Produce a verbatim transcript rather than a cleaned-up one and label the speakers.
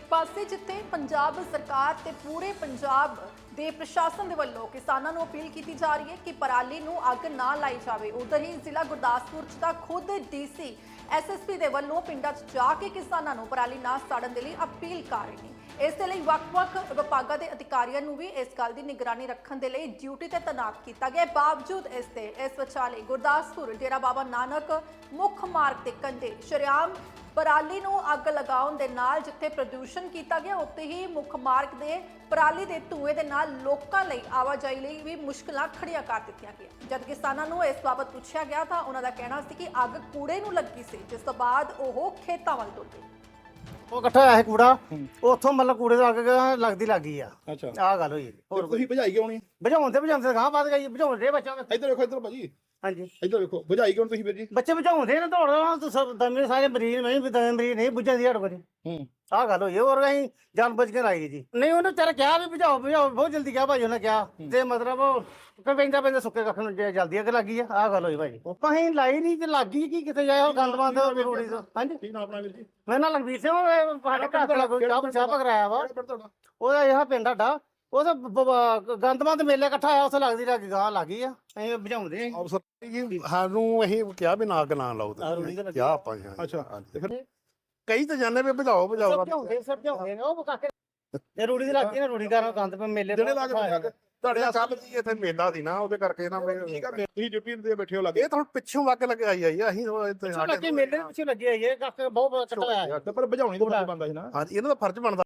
Speaker 1: ਪਾਸੇ ਜਿੱਥੇ ਪੰਜਾਬ ਸਰਕਾਰ ਤੇ ਪੂਰੇ ਪੰਜਾਬ ਦੇ ਪ੍ਰਸ਼ਾਸਨ ਦੇ ਵੱਲੋਂ ਕਿਸਾਨਾਂ ਨੂੰ ਅਪੀਲ ਕੀਤੀ ਜਾ ਰਹੀ ਹੈ ਕਿ ਪਰਾਲੀ ਨੂੰ ਅੱਗ ਨਾ ਲਾਈ ਜਾਵੇ, ਉਧਰ ਹੀ ਜ਼ਿਲ੍ਹਾ ਗੁਰਦਾਸਪੁਰ 'ਚ ਤਾਂ ਖੁਦ ਡੀਸੀ ਐਸਐਸਪੀ ਦੇ ਵੱਲੋਂ ਪਿੰਡਾਂ 'ਚ ਜਾ ਕੇ ਕਿਸਾਨਾਂ ਨੂੰ ਪਰਾਲੀ ਨਾ ਸਾੜਨ ਦੇ ਲਈ ਅਪੀਲ ਕਰ ਰਹੇ ਨੇ। ਇਸ ਦੇ ਲਈ ਵੱਖ-ਵੱਖ ਵਿਭਾਗਾਂ ਦੇ ਅਧਿਕਾਰੀਆਂ ਨੂੰ ਵੀ ਇਸ ਗੱਲ ਦੀ ਨਿਗਰਾਨੀ ਰੱਖਣ ਦੇ ਲਈ ਡਿਊਟੀ ਤੇ ਤੈਨਾਤ ਕੀਤਾ ਗਿਆ। ਬਾਵਜੂਦ ਇਸ ਤੇ ਇਸ ਵਿਚਾਲੇ ਗੁਰਦਾਸਪੁਰ ਡੇਰਾ ਬਾਬਾ ਨਾਨਕ ਮੁੱਖ ਮਾਰਗ ਤੇ ਕੰਢੇ ਸ਼ਰੇਆਮ ਪਰਾਲੀ ਨੂੰ ਅੱਗ ਲਗਾਉਣ ਦੇ ਨਾਲ ਜਿੱਥੇ ਪ੍ਰਦੂਸ਼ਣ ਕੀਤਾ ਗਿਆ, ਉੱਥੇ ਹੀ ਮੁੱਖ ਮਾਰਗ ਦੇ ਪਰਾਲੀ ਦੇ ਧੂਏ ਦੇ ਨਾਲ ਲੋਕਾਂ ਲਈ ਆਵਾਜਾਈ ਲਈ ਵੀ ਮੁਸ਼ਕਲਾਂ ਖੜੀਆਂ ਕਰ ਦਿੱਤੀਆਂ ਗਈਆਂ। ਜਦ ਕਿਸਾਨਾਂ ਨੂੰ ਇਸ ਬਾਬਤ ਪੁੱਛਿਆ ਗਿਆ ਤਾਂ ਉਹਨਾਂ ਦਾ ਕਹਿਣਾ ਸੀ ਕਿ ਅੱਗ ਕੂੜੇ ਨੂੰ ਲੱਗੀ ਸੀ, ਜਿਸ ਤੋਂ ਬਾਅਦ ਉਹ ਖੇਤਾਂ ਵੱਲ ਤੁਰ ਗਏ।
Speaker 2: ਉਹ ਇਕੱਠਾ ਹੋਇਆ ਸੀ ਕੂੜਾ, ਉੱਥੋਂ ਮਤਲਬ ਕੂੜੇ ਤੋਂ ਅੱਗ ਲੱਗਦੀ ਲੱਗੀ ਆ।
Speaker 3: ਅੱਛਾ,
Speaker 2: ਆਹ ਗੱਲ ਹੋਈ।
Speaker 3: ਹੋਰ ਤੁਸੀਂ ਭਜਾਈ ਕਿਉਂ ਨਹੀਂ?
Speaker 2: ਬੁਝਾਉਣ ਤੇ ਬੁਝਾਉਂਦੇ ਗਾਂ ਵੱਧ ਗਈ, ਬੁਝਾਉਂਦੇ ਬੱਚਾ।
Speaker 3: ਇੱਧਰ ਵੇਖੋ, ਇੱਧਰ ਭਾਜੀ,
Speaker 2: ਹਾਂਜੀ
Speaker 3: ਇੱਧਰ ਵੇਖੋ, ਭਜਾਈ ਕਿਉਂ ਤੁਸੀਂ ਵੀਰ ਜੀ?
Speaker 2: ਬੱਚੇ ਬੁਝਾਉਂਦੇ ਨੇ, ਦੌੜ ਦਮੇ ਸਾਰੇ ਮਰੀਜ਼ ਨਹੀਂ ਵੀ ਦਮੇ ਮਰੀਜ਼ ਨਹੀਂ ਬੁਝਾਉਂਦੀ ਹੜ ਕੋਲ।
Speaker 3: ਹੂੰ,
Speaker 2: ਆਹ ਗੱਲ ਹੋਈ। ਹੋਰ ਅਸੀਂ ਜਾਨ ਬੁੱਝ ਕੇ ਲਾਈ ਜੀ। ਨਹੀਂ ਉਹਨੇ ਤੇਰਾ ਕਿਹਾ ਵੀ ਬੁਝਾਓ ਬੁਝਾਓ, ਬਹੁਤ ਜਲਦੀ ਕਿਹਾ ਭਾਈ ਉਹਨੇ ਕਿਹਾ, ਤੇ ਮਤਲਬ ਉਹ ਪੈਂਦਾ ਪੈਂਦਾ ਸੁੱਕੇ ਕੱਖ ਨੂੰ ਜਲਦੀ ਅੱਗ ਲੱਗੀ ਆ। ਆਹ ਗੱਲ ਹੋਈ ਭਾਈ। ਆਪਾਂ ਅਸੀਂ ਲਾਈ ਨਹੀਂ ਤੇ ਲੱਗੀ ਕੀ ਕਿਤੇ ਜਾਏ ਉਹ ਗੰਦ ਬੰਦ ਰੋੜੀ ਤੋਂ। ਹਾਂਜੀ,
Speaker 3: ਕੀ ਨਾਮ ਆਪਣਾ ਵੀਰ ਜੀ?
Speaker 2: ਮੈਂ ਨਾਲ ਲਖਬੀਰ ਸਿੰਘ, ਸਾਡੇ ਘਰ ਤੋਂ ਲੱਗੋ ਚਾਹ ਚਾਹ ਪਕਰਾਇਆ ਵਾ।
Speaker 3: ਕਿਹੜਾ ਪਿੰਡ ਤੁਹਾਡਾ?
Speaker 2: ਉਹਦਾ ਇਹ ਪਿੰਡ ਸਾਡਾ, ਉਹ ਤਾਂ ਗੰਦਮੰਦ ਮੇਲੇ ਇਕੱਠਾ ਆਇਆ, ਉੱਥੇ ਲੱਗਦੀ ਲੱਗ ਗਾਂ ਲੱਗੀ ਆ। ਅਸੀਂ ਬੁਝਾਉਂਦੇ ਆਂ।
Speaker 4: ਅਫਸਰ ਜੀ ਸਾਨੂੰ ਅਸੀਂ ਕਿਹਾ ਵੀ ਨਾ ਅੱਗ ਨਾ ਲਾਓ
Speaker 2: ਆਹ ਰੂੜੀ ਤਾਂ ਲੱਗੀ।
Speaker 4: ਕਿਹਾ ਆਪਾਂ ਜੀ, ਹਾਂਜੀ।
Speaker 3: ਅੱਛਾ, ਤੇ ਫਿਰ
Speaker 4: ਕਈ ਤਾਂ ਜਾਣੇ ਵੀ ਬੁਝਾਓ ਬੁਝਾਓ
Speaker 2: ਸਮਝਾਉਂਦੇ ਸਮਝਾਉਂਦੇ ਨੇ ਉਹ ਕਾਕੇ। ਇਹ ਰੂੜੀ ਦੀ ਲੱਗੀ ਨਾ, ਰੂੜੀ ਕਰਨ ਗੰਦ ਪੇ ਮੇਲੇ
Speaker 4: ਜਿਹੜੇ ਲੱਗ
Speaker 2: ਤੋਂ
Speaker 4: ਤੁਹਾਡੇ ਕੱਲ ਜੀ ਇੱਥੇ ਮੇਲਾ ਸੀ ਨਾ, ਉਹਦੇ ਕਰਕੇ ਨਾ ਮੈਂ
Speaker 3: ਠੀਕ ਆ, ਤੁਸੀਂ ਡਿਊਟੀ ਤੇ ਬੈਠੇ ਹੋ ਲੱਗੇ
Speaker 4: ਇਹ ਤਾਂ ਪਿੱਛੋਂ ਵਗ ਲੱਗ ਆਈ ਆਈ ਆ। ਅਸੀਂ ਉਹ ਇੱਥੇ
Speaker 2: ਪਿੱਛੋਂ ਲੱਗੇ ਮੇਲੇ ਦੇ ਪਿੱਛੇ ਲੱਗੇ ਆ। ਇਹ ਕਾਕੇ ਬਹੁਤ ਕੱਟਾ ਹੋਇਆ।
Speaker 3: ਤੇ ਪਰ ਭਜਾਉਣੀ ਤਾਂ ਬੰਦਾ ਸੀ ਨਾ।
Speaker 4: ਹਾਂਜੀ, ਇਹਨਾਂ ਦਾ ਫਰਜ਼ ਬਣਦਾ